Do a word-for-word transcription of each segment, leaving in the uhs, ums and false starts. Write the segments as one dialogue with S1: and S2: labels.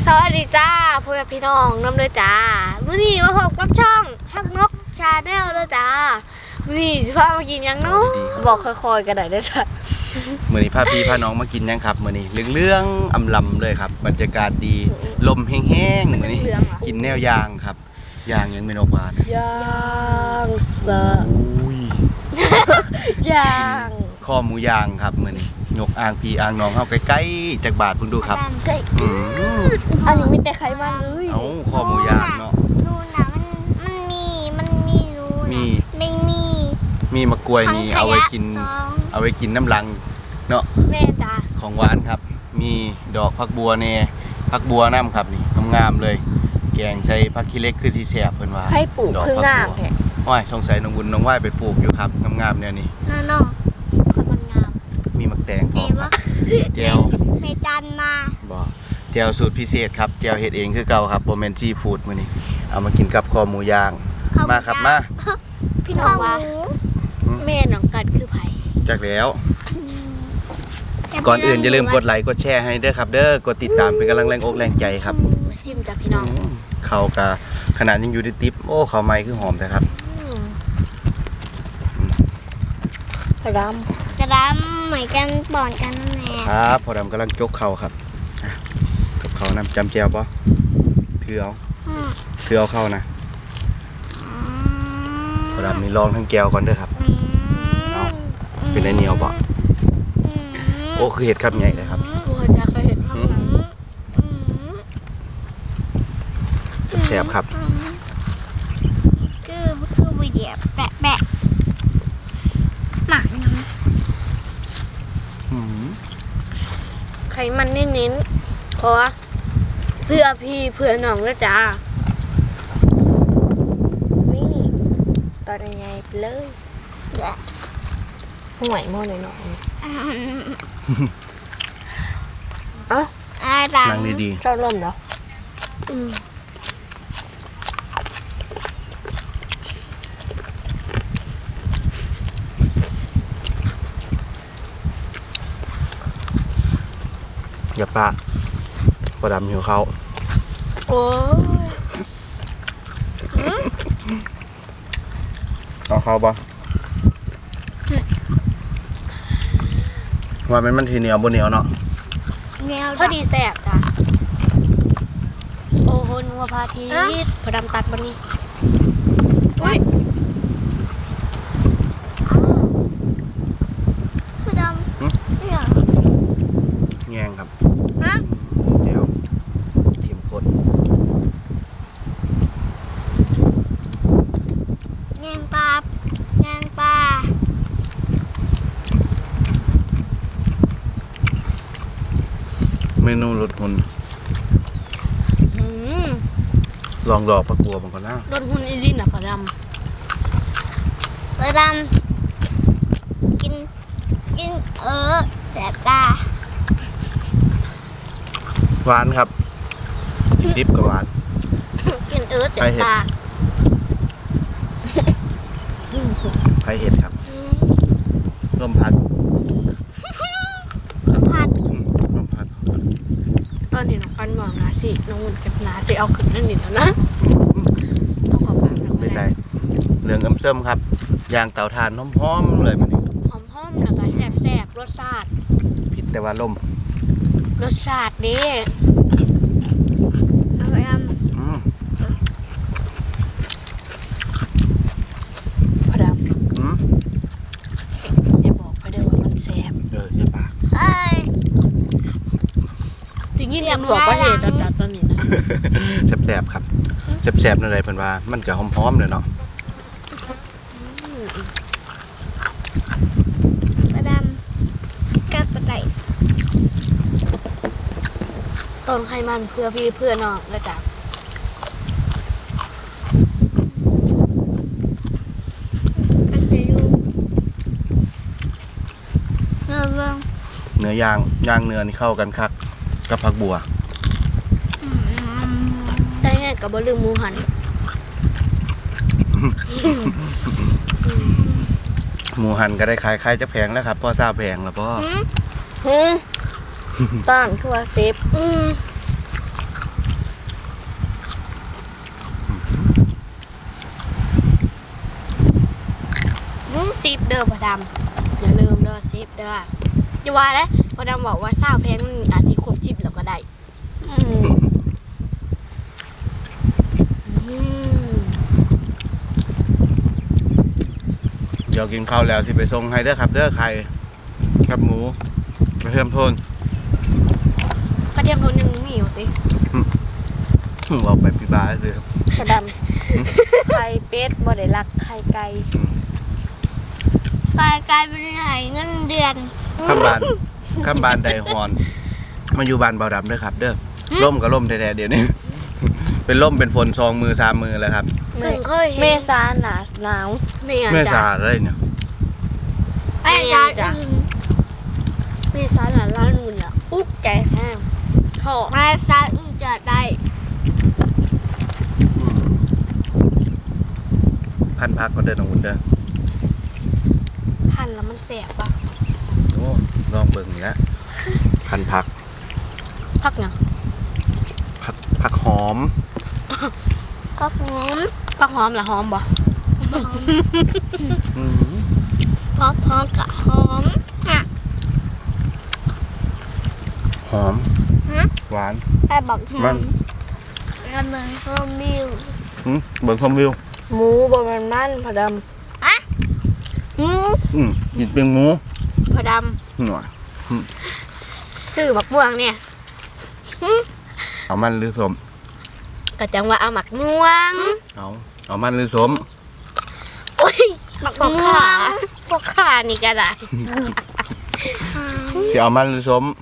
S1: สวัสดีจ้าพ่อแม่พี่น้องน้ำเลยจ้ามื้อนี้มาพบกับช่องฮักนกชาแนลเลยจ้ามื้อนี้สิพามากินยังเนาะบอกค่อยๆกันได้เด้อจ้ะ
S2: มื้อนี้พาพี่พาน้องมากินยังครับมื้อนี้เรื่องๆอำลำเลยครับบรรยากาศดีลมแห้งๆมื้อนี้กินแนวยางครับยางยังไม่นกหวาน
S1: ย่างสะ
S2: อุ้ย
S1: ย่าง
S2: ข้อหมูยางครับมื้อนี้ยกอ่างพี่อ่างน้องเฮาใกล้ๆจากบาทเพิ่นดูครับ
S1: ใกล้อันนี้มีแต่ไขมันเลย
S2: เอ้าข้อหมูยางเนาะ
S3: นูนน่ะมันมันมีมันมีรูมีไม่มี
S2: มีมะกล้วยนี่เอาไว้กินเอาไว้กินน้ำลังเนาะ
S1: แม่จ้า
S2: ของหวานครับมีดอกผักบัวแน่ผักบัวน้ำครับนี่งามๆเลยแกงใส่ผักขี้เหล็กคือสิแซ่บเพิ่นว่า
S1: ให้ปลูกคืองามแท้
S2: ว้ายสงสัยน้องบุญน้องว่ายไปปลูกอยู่ครับงามๆแนวนี้
S3: เนาะๆคนมันงาม
S2: มีมักแตงพร้อมครับแจ่ว
S3: แม่จันมา
S2: บ่แจ่วสูตรพิเศษครับแจ่วเฮ็ดเองคือเก่าครับบ่แม่นซีฟู้ดมื้อนี้เอามากินกับคอหมูย่างมาครับมา
S1: พี่น้องว่าแม่น้องกัดคือไผ
S2: จักแล้วก่อนอื่นอย่าลืมกดไลค์กดแชร์ให้เด้อครับเด้อกดติดตามเป็นกำลังแรงอกแรงใจครับ
S1: ชิมจ้ะพี่น้อง
S2: เขากะขนาดยังอยู่ในติ๊บโอ้เขาไม้คือหอมแต่ครับ
S1: กระดำ
S3: กระดำเหมือนกันบ่อนกันนั่นแหละ
S2: ครับพอดำกำลังจกเข่าครับจกเข่าน้ำจำแจวปะถือเอาถือเอาเข้านะพอดำนี่ลองทั้งแก้วก่อนเด้อครับเอาเป็นไรเหนียวปะโอ้คือเห็ดครับใหญ่เลยครับ
S1: โอ้จะเคยเห็นข้างหลัง
S2: แซ่บครับ
S3: คือคือวิเดียแปะแปะหมักน้
S1: ำไขมันเน้นๆขอเพื่อพี่เพื่อน้องนะจ้านี่ตอนยังไงเลยห่วยโม่หน่อยหน่อยเอ้า
S2: นั่งดี
S1: ๆชอบร่มเหรอ
S2: อย่าปะพอดำหิวเขา
S1: โอ้
S2: เอาเขาปะว่ามันมันทีเหนียวบนเหนียวเนาะ
S1: พอดีแสบจ้ะโอ้โหนัวพาทีพอดำตัดบันนี้อุ้ย
S3: พอดำเนี่ย
S2: แง่งครับเดี๋ยวเข็มข้น
S3: แงงปลาแงงปลา
S2: เมนูรสหุ่นลองดอกผักบัวบางคนนะ
S1: รสหุ่นอีลินอ่ะพอด
S3: ำพอดำกินกินเออแสบตา
S2: หวานครับดิบกับหวาน
S1: กินเออเจ็บตา
S2: ไผ่เห็ดครับลมพัด
S3: พัด
S2: ลมพัด
S1: ตอนนี้น้องปันมองนะสิน้องหุ่นกับนาจะเอาขึ้นนั่นนี่แล้วนะเอาขอปากหน่อย
S2: เป็นไรเหลืองอ้ำเส้มครับยางเต่าทานหอมๆเลยมันนี่
S1: หอมๆแล้วก็แซ่บๆรสชาติ
S2: ผิดแต่ว่าลม
S1: รสชาติดีอร่อยอ่ะพอดำอย่าบอกไปเด้อว่ามันแซ่บ
S2: เออใช่ปะ
S3: เอ้ย
S1: จริงๆยังบอกว่าเหตุจัดตอนนี้นะ
S2: แซ่บๆครับแซ่บๆนั่นเลยเพิ่นว่ามันก็หอมๆเลยเนาะ
S3: พอดำกับปลาไหล
S1: ต้นไขมันเพื่อพี่เพื่อน้องนะจ๊ะ
S2: เนื้อย่างย่างเนื้อนี่เข้ากันคักกับผักบัว
S1: ได้แห้กับบะลืมหมูหัน
S2: หมูหันก็ได้ขายใครจะแพงแล้วครับพ่อทราบแพงแล้วพ่อ
S1: ต้านคือว่าเซฟเด้อพอดำอย่าลืมเด้อซิปเด้ออย่าว่าเลยพอดำบอกว่าเศร้าแพงมันอาจจะครบจิบแล้วก็ได้อืมอืม
S2: เดี๋ยวกินข้าวแล้วสิไปส่งให้เด้อครับเด้อไข่กับหมูกระเทียมโทน
S1: กระเทียมโทนยังมีอยู่สิ
S2: เอาไปปีบาเลยครับ
S1: พอดำไข่เป็ดบ่ได้รักไข่ไก่
S3: กลายกลายเป็นไหนเงินเดือน
S2: ข้ามบานข้ามบานไดฮอนมาอยู่บานเบาดำเด้อครับ เด้อล่มกับล่มแท้ๆเดี๋ยวนี้ เป็นล่มเป็นฝนซองมือสามมือแล้วครับ
S1: เพิ่งเคยเห็น
S4: เมษาหนาหนาว
S1: ไม่งั้น
S2: เมื่อ
S1: จ้ะ
S2: สาเลยเนี่ย
S3: ไอ้ยาอื่น
S1: เมษาหนาล้านหุ่นอ่ะอุ๊กใจแห้งชอบ
S3: ไอ้ซาอื่นจะได้
S2: พันพักก็เดินของคุณเด้อ
S1: พันแล้วมันแสบปะ
S2: โอ้ลองเบิ่งนี่ละพันพัก
S1: พักยัง
S2: พักพักหอม
S3: ก็หอม
S1: พักหอมเหรอหอมบ่
S2: อืม
S3: พอพอกับหอมอ่ะ
S2: หอม
S3: ฮะ
S2: หวาน
S3: ไอ้บอกหอ
S2: มัน
S3: มแล้วมันก็มิว
S2: อืมเบิ่งชมวิว
S1: หมูบ่แมันมันพอด
S3: อืม
S2: อืมกินเป็นหมู
S1: ำพอด
S2: หน่อย
S1: ำซื้อบักม่วงเนี่ย
S2: เอามันหรือสม
S1: ก็จังว่าเอาหมักม่วง
S2: เอาเอามันหรือสม
S1: โอ้ยพวกขาพวกขานี่ก็ได้
S2: สิเอามันหรือสม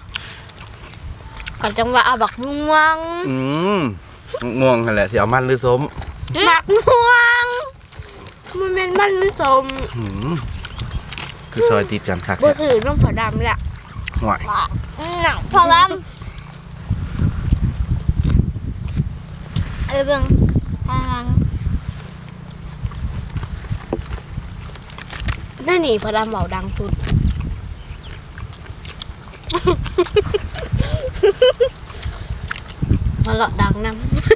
S1: ก็จังว่าเอาบักม่วง
S2: อืมง่วงนั่นแหละสิเอามันหรือสม
S1: หมักม่วงมันเป็นมันหรือสม
S2: อืมคือซอยติดกันคัก
S1: บ่
S2: เนี่ย
S1: ซื้อน้ำพอดำแหละ
S2: ห่วย
S3: หนังพอลำเออเบิ่งพลัง
S1: นั่นนี่พอดำเบาดังสุด มาเลาะดังนำ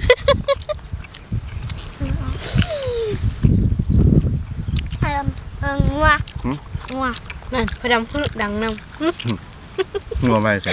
S3: พลังเอิงงัวงัว
S1: นั่นพอดำพูดดังนำ
S2: งัวไม่ใช่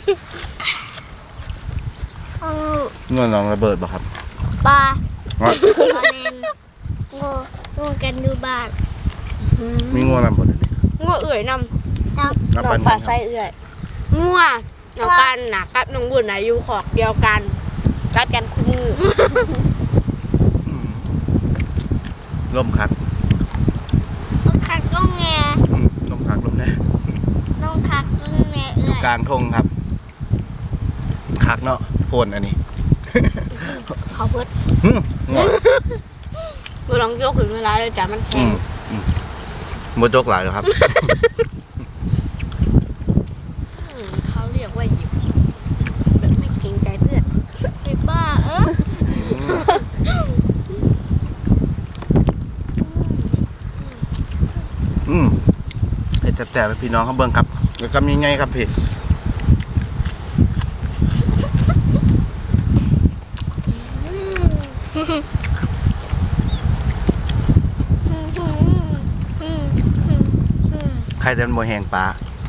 S3: เออ
S2: งัวน้องระเบิดบ่ครับ
S3: ปลา
S2: ว่า
S3: ปลาเนนงูงูกันดูบ้าน
S2: มีงัวระเบิดอันนี้
S1: งัวเอื่อยนำ
S3: จับ
S2: รับ
S1: น้อ
S2: ปั
S1: ง
S2: น
S1: ฟ้าใสเอื่อยงัวน้องกันน่ะกับน้องบุญน่ะอยู่ขอกเดียวกันกัดกันคู่มือ
S2: อืมลมคัก
S3: ต้องคักต้องแง
S2: อืมลมคักลมแน่
S3: ต้องคักต้องแง
S2: อ
S3: เอื้
S2: ยู่
S3: อย
S2: กลางทงครับคักเนาะโพนอันนี้
S1: เขาเพิด
S2: อืมงัว
S1: บ่ลองยกถึงเวลาเลยจ้ะมันแข็
S2: อื
S1: ง
S2: มอืมโมจกหลายเลยครับ
S1: อืมเขาเรียกว่าหยิบแบบไม่เกรงใจเพื่อน
S3: ไอ้บ้าเออ
S2: อืมเผ็ดแจ่บๆไปพี่น้องเขาเบิ่งครับแล้วก็มีไงครับพี่ ใครเดินบ่แหงปลา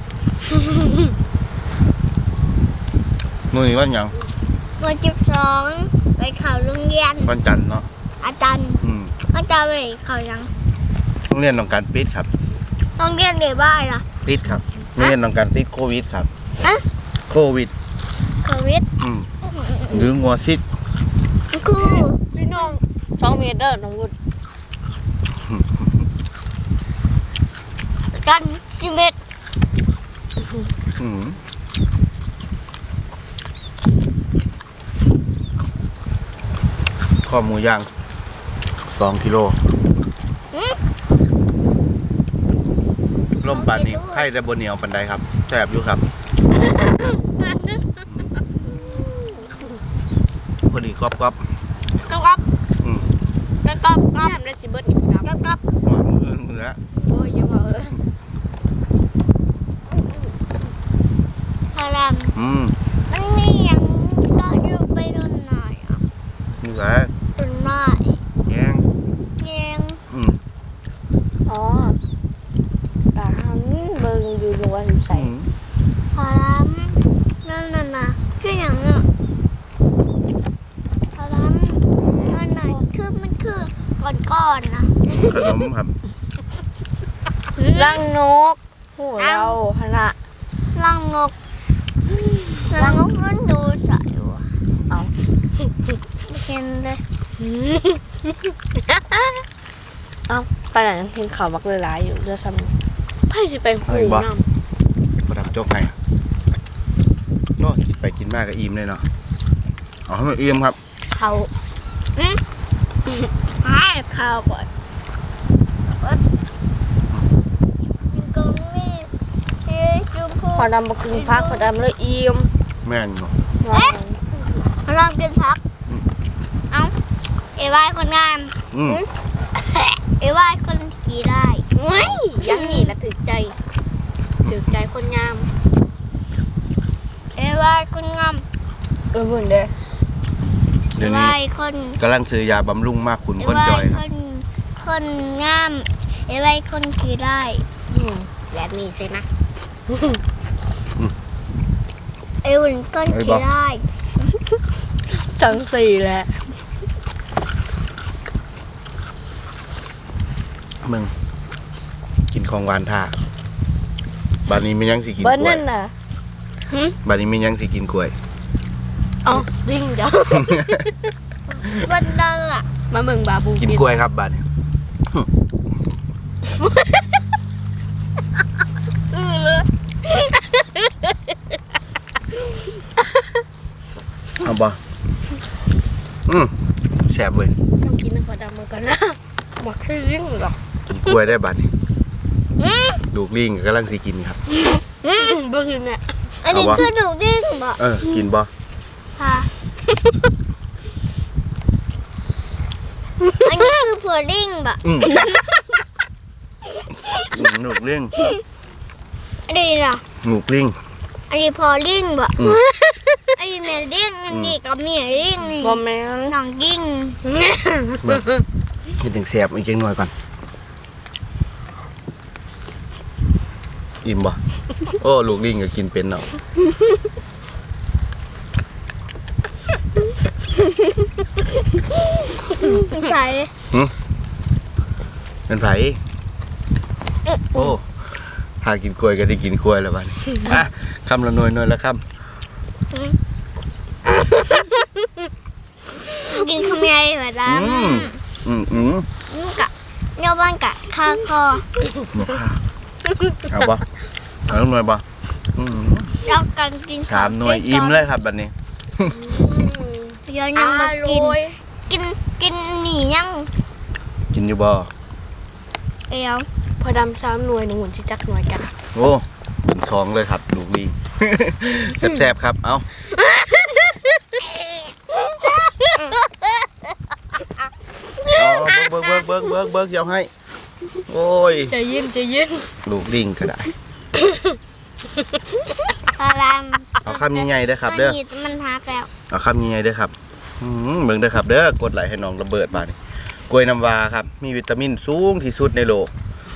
S2: มือนี้วันหยัง
S3: วันที่สองไปเขาโรงเรียน
S2: วันจันทร์เนาะ
S3: อาจารย์
S2: อืม
S3: ก็จะไปเขายัง
S2: โรงเรียนต้องการปิดครับ
S3: โรงเรียนเด็กบ้านล่ะ
S2: ปิดครับโรงเรียนต้องการติดโควิดครับ
S3: อะ
S2: โควิด
S3: โควิด
S2: อืมหรืองัวซิด
S3: ครู
S1: พี่น้องสองเมตรเด้อน้องบุญ
S3: กันสิบเอ็ด
S2: อืมข้อหมูย่างสองกิโลล่มปานนี้ไข่แต่บนเหนียวปันไดครับแสบอยู่ครับ พอดีกรอบกรอบ
S1: ก็ก๊อบ
S2: ๆอืม
S1: ก็ก๊อบก็ทำได้สิเบิดอีกครับ
S3: กับกับ
S2: หวานมือมือละ
S1: โอ้ยอย่าว่าเออ
S3: พลัง
S2: อืม
S3: มันมีอย่างก็ยืมไปโดนหน่อยอ่ะ
S2: นี่แหละ
S3: โดนหน่อย
S2: แยง
S3: เงี้ยง
S2: อืม
S1: อ๋อ
S3: คืออย่างอ่ะตอนนั้นตอนไหนคือมันคือก้อนๆนะ
S2: ขนมครับ
S1: รังนกโหเราขนาด
S3: รังนกรังนกมันดูใสว่ะ
S1: เอา
S3: ไม่เห็นเลย
S1: เอาไปไหนยังกินข่าวบักเลยหลายอยู่เรือซ้ำไพ่จะไปหูน้
S2: ประดับโจ๊กให้เนาะกินไปกินมากก็อิ่มเลยเนาะเอาให้มันอิ่มครับ
S1: ำเขา
S3: ให้ข้าวก่อนมันก็ไม่เฮ้ยจุ๊บ
S1: พอดำบักกินพักพอดำเลยอิ่ม
S2: แม่นเนาะ
S3: ลองกินพักเอ้าเอวายคนงาม
S2: อืม
S3: เอวายคนขี่ได้
S1: ไม่ยังหนีละถึกใจถึกใจคนงาม
S3: เอวายคนงาม
S1: เออเหมือนเด้อ
S3: เอ
S2: เดี๋ยวนี้
S3: วายคน
S2: กำลังซื้อยาบำรุงมากขุน
S3: เอ
S2: คน
S3: วา
S2: จอย ยค
S3: ครับ นคนงามเอวายคนขี่ได้
S1: อืมแบบนี้สินะ
S3: เอวันคนขี่ได้
S1: ทั้งสี่แหละ
S2: มึงกินของหวานท่าบานนี้มียังสิกินก
S1: เบิ้ล
S2: ล้วย
S1: นั่นน่ะ
S2: บานนี้มียังสิกินกล้วย
S1: เอาดิ้งจ้ะ
S3: วันดังอ่ะ
S1: มาเมืองบาบู
S2: กินกล้วยครับบานนี้
S1: อือเลย
S2: เอาบ่อืมแซ่บเว้ย
S1: ต้องกินน้ำพอดำมือกันนะหมดที่ดิ้งหรอก
S2: กินกล้วยได้บานนี้ลูกลิงก็กำลังสิกินครับ
S1: เบิ้งเนี่ย
S3: อันนี้
S2: เอาวะ
S3: คือดูดิ้งบ่
S2: เออกินบ่
S3: ค่ะอันนี้คือผัวดิ้งบ่
S2: อืมอืมลูกลิง
S3: อันนี้ล่ะ
S2: ลูกลิง
S3: อันนี้พอดิ้งบ่
S2: อืม
S3: อันนี้แม่ดิ้งอันนี้กับเมียดิ้งนี่
S1: บอมแมน
S3: น้องดิ้ง
S2: เบิ่งกินถึงแซ่บอีกจังหน่อยก่อนอิ่มบ่โอ้ลูกลิงก็กินเป็นเนาะ
S3: ใส่
S2: เป็นไผโอ้หากินกล้วยก็ได้กินกล้วยแล้วบัดนี้อ่ะคำละหน่วยหน่วยละค
S3: กินขมิ้นแบบนั้
S2: ำ
S3: น
S2: อืมอืมอืม
S3: นี่กะเนื้อบ้านกะข้าวคอ
S2: หมูข้าวเอาบ่เอาหน่วยบ่อืม
S3: แล้วกันกิน
S2: สามหน่วยอิ่มเลยครับบัดนี้
S3: เดี๋ยวยังมากิน กินกินหนียัง
S2: กินอยู่บ่
S3: เอว
S1: พอดำสามหน่วยหนึ่งหุ่นชิจักหน่วยกัน
S2: โอ้บุญช้องเลยครับลูกลิง แซ่บๆครับเอาเอาเบิกเบิกเบิกเบิกเบิกเดี๋ยวให้โอ้ย
S1: ใจเย็นใจเย็น
S2: ลูกลิงก็ได้
S3: พาราม
S2: เอาคำใหญ่ๆเด้อครับเด้อ
S3: มันหนีมันหักแล้ว
S2: เอาคำใหญ่ๆเด้อครับอืมเบิ่งเด้อครับเด้อกดไลค์ให้น้องระเบิดบาดนี้กล้วยน้ำว้าครับมีวิตามินสูงที่สุดในโลก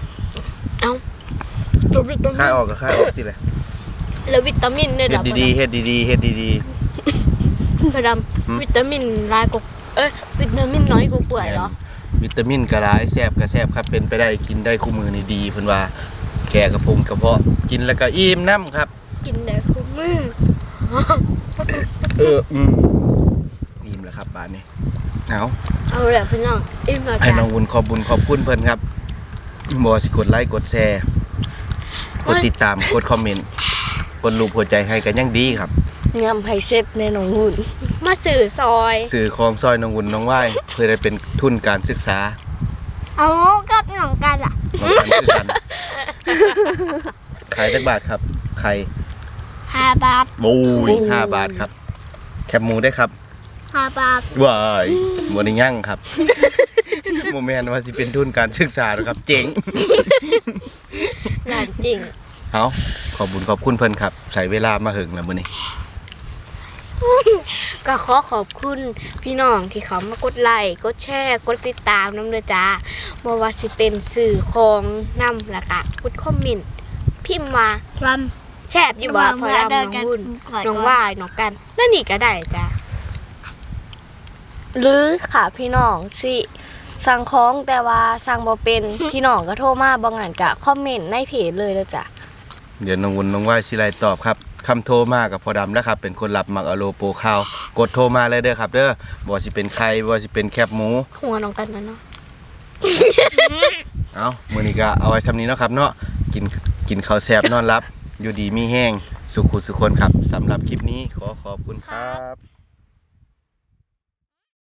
S1: ตัววิตามิ
S2: ค่าย
S1: น
S2: ออกก็ค่ายออกสิแหละ
S1: แล้ววิตามินเนี่ย
S2: เฮ็ดดีๆเฮ็ดดีๆเฮ็ดดี
S1: พอด
S2: หืม
S1: ำวิตามินลายกว่าเอ้ยวิตามินน้อยกว่าป่วยเหรอ
S2: ๆวิตามินก็หลายแซ่บก็แซ่บครับเป็นไปได้กินได้คู่มือนี่ดีเพิ่นว่าแก่กระพงกระเพาะกินแล้วก็อิ่มน้ำครับ
S1: กินได้คุ้มมือ
S2: เอออืมอิ่มแล้วครับบาดนี้เอา
S1: เอาแหละพี่น้องอิ่มแล้ว
S2: ให้
S1: จ้ะ
S2: น้องวุนขอบบุญขอบคุณเพิ่นครับบ่ว่าสิกดไลค์กดแชร์กดติดตามกดคอมเมนต์กดรูปหัวใจให้กันยังดีครับ
S1: งามไผ่เซ็ตในหนองหุ่นมาสื่อซอย
S2: สื่อของซอยน้องวุนน้องว่ายเพื่อได้เป็นทุนการศึกษา
S3: เอากับหนองกันอ่ะ
S2: ของกันคือกันขายจักบาทครับไข่
S3: ห้าบาท
S2: บูยห้าบาทครับ แคบหมูได้ครับ
S3: ห้าบาท
S2: ว้ายบ่ได้ยั่งครับโมแมนว่าสิเป็นทุนการศึกษานะครับ เจ๋ง
S1: งานจริง
S2: เอาขอบคุญขอบคุณเพิ่นครับใช้เวลามาหึงแล้วมื้อนี้
S1: ก็ขอขอบคุณพี่น้องที่เขามากดไลค์กดแชร์กดติดตามน้ำเด้อจ้าบ่ว่าสิเป็นสื่อของนำและกะกดคอมเมนต์พิมพ์มา
S3: ล
S1: แซ่บอยู่บ่พอดำน้องวุ่นน้องว่ายน้องกันนั่นนี่ก็ได้จ้ะหรือค่ะพี่น้องสิสั่งของแต่ว่าสั่งบ่เป็น พี่น้องก็โทรมาบ่งั้นก็คอมเมนต์ในเพจเลยเด้อจ้ะ
S2: เดี๋ยวน้องวุ่นน้องว่ายสิไลตอบครับคำโทรมากับพอดำแล้วครับเป็นคนรับมักอโลโปรข่าวกดโทรมาเลยเด้อครับเด้อบ่สิเป็นไข่บ่สิเป็นแคบหมู
S1: หัวน้องกันนั่นเนาะ
S2: เอามื้อนี้ก็เอาไว้ซ้ำนี้เนาะครับเนาะกินกินข้าวแซ่บนอนหลับอยู่ดีมีแห้งสุขุสุขคนครับสำหรับคลิปนี้ขอขอบคุณครับ